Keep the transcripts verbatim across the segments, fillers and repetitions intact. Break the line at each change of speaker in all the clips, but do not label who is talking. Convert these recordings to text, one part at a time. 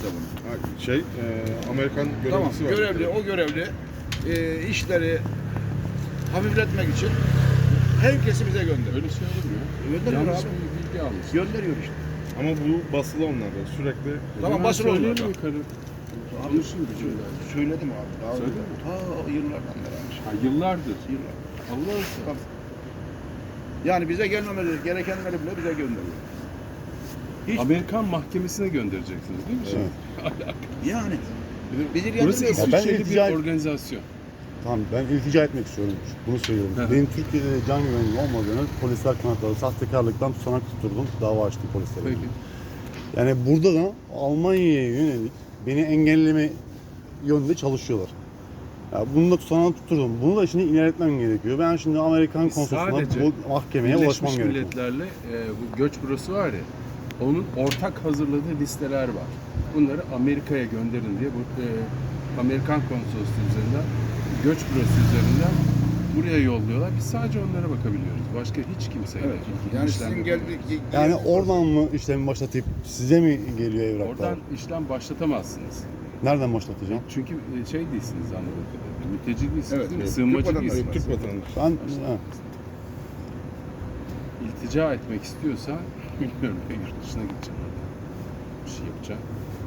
size bunu.
Ha, Şey, e, Amerikan
Tamam,
görevlisi var.
görevli, o görevli e, işleri hafifletmek için herkesi bize gönderiyor.
Öyle şey olur mu?
Gönderiyor
Yanlış
abi.
bir bilgi almış.
Gönderiyor işte.
Ama bu basılı onlarda. Sürekli
Tamam,
Ben
basılı
söyleyeyim
onlarda.
mi yukarı? Konuşun gücümle.
Söyledim abi. Daha
Söyledin mi?
Ta yıllardan beri.
Ha, yıllardır.
Yıllar.
Allah aşkına.
Yani bize gelmemeleri gerekenleri bile bize gönderiyor. Hiç,
Amerikan mahkemesine göndereceksiniz değil mi şimdi?
yani. Bizi
Burası
ilgilendirmiyor.
ben
İsviçreli bir
iltica-
organizasyon.
Tamam, ben iltica etmek istiyorum. Bunu söylüyorum.
Hı hı.
Benim Türkiye'de can güvenliği olmadığını polisler kanıtladı. Sahtekarlıktan tutanak tutturdum. Dava açtım polislere.
Peki.
Yani burada da Almanya'ya yönelik beni engelleme yönünde çalışıyorlar. Ya bunu da tutanağı tutturdum. Bunu da şimdi ilerletmem gerekiyor. Ben şimdi Amerikan
Biz
konsolosluğuna
sadece
bu mahkemeye
Birleşmiş
ulaşmam gerekiyor.
Milletler'le e, bu göç bürosu var ya, onun ortak hazırladığı listeler var. Bunları Amerika'ya gönderin diye bu e, Amerikan konsolosluğu üzerinden, göç bürosu üzerinden buraya yolluyorlar. Biz sadece onlara bakabiliyoruz. Başka hiç kimseyle.
Evet.
ilgili
Yani
işlem
sizin
yapamıyoruz.
geldik.
Yani oradan mı işlemi başlatıp size mi geliyor evraklar?
Oradan işlem başlatamazsınız.
Nereden başlatacağım?
Çünkü e, şey değilsiniz anladığım kadarıyla. Mülteci değilsiniz
Evet,
değil mi?
evet.
Sığınmacı
Türk vatandaşı,
değilsiniz.
Türk vatandaşı.
Ben ha,
İltica etmek istiyorsan bilmiyorum ya yurt dışına gideceğim. Bir şey yapacağım.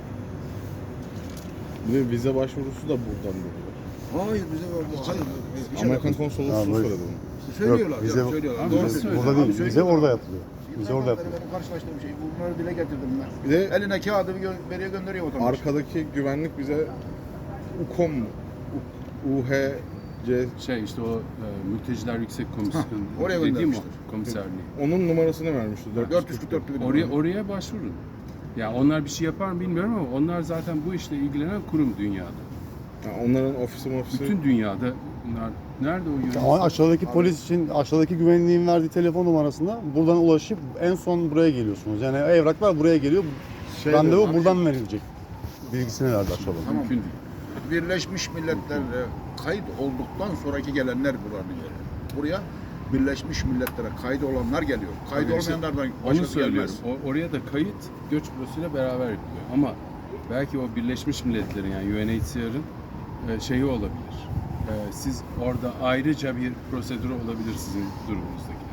Bir de vize başvurusu da buradan burada.
Hayır bize bu. Hayır. Bir şey
Amerikan
yok.
konsolosluğu
Ha, böyle.
söyledi bunu.
Söylüyorlar.
Yok, bize-
ya, söylüyorlar.
Abi
Doğru
nasıl
söylüyor.
burada değil,
Abi
bize
söylüyorlar.
orada yapılıyor. Bize orada
Yıllardan beri
yapılıyor.
benim karşılaştığım şey. Bunları dile getirdim ben.
Bir de
Eline kağıdı bir gö- veriyor gönderiyor vatandaş.
arkadaki güvenlik bize UKOM mu? U H C
Şey işte o e, mülteciler yüksek komisyonu
oraya
dediğim o
göndermiştir.
komiserliği.
onun numarasını vermişti.
dört yüz kırk dört bin.
Oraya oraya başvurun. Ya onlar bir şey yapar mı bilmiyorum ama onlar zaten bu işle ilgilenen kurum dünyada.
Ha, onların ofisi ofisi.
Bütün dünyada bunlar nerede o yönetim?
Ama aşağıdaki polis için aşağıdaki güvenliğin verdiği telefon numarasında buradan ulaşıp en son buraya geliyorsunuz. Yani evraklar buraya geliyor.
Şey
Randevu
dedi,
buradan verilecek. Bilgisini verdi aşağıdan.
Tamam.
Mümkün değil.
Birleşmiş Milletler'e kayıt olduktan sonraki gelenler buranın geliyor. Buraya Birleşmiş Milletler'e kayıt olanlar geliyor. Kayıt
Tabii işte
olmayanlardan
Onu
başkası
söylüyorum.
gelmez.
O, oraya da kayıt göç bürosuyla beraber yapılıyor. Ama belki o Birleşmiş Milletler'in yani U N H C R'ın e, şeyi olabilir. E, siz orada ayrıca bir prosedürü olabilir sizin durumunuzdaki.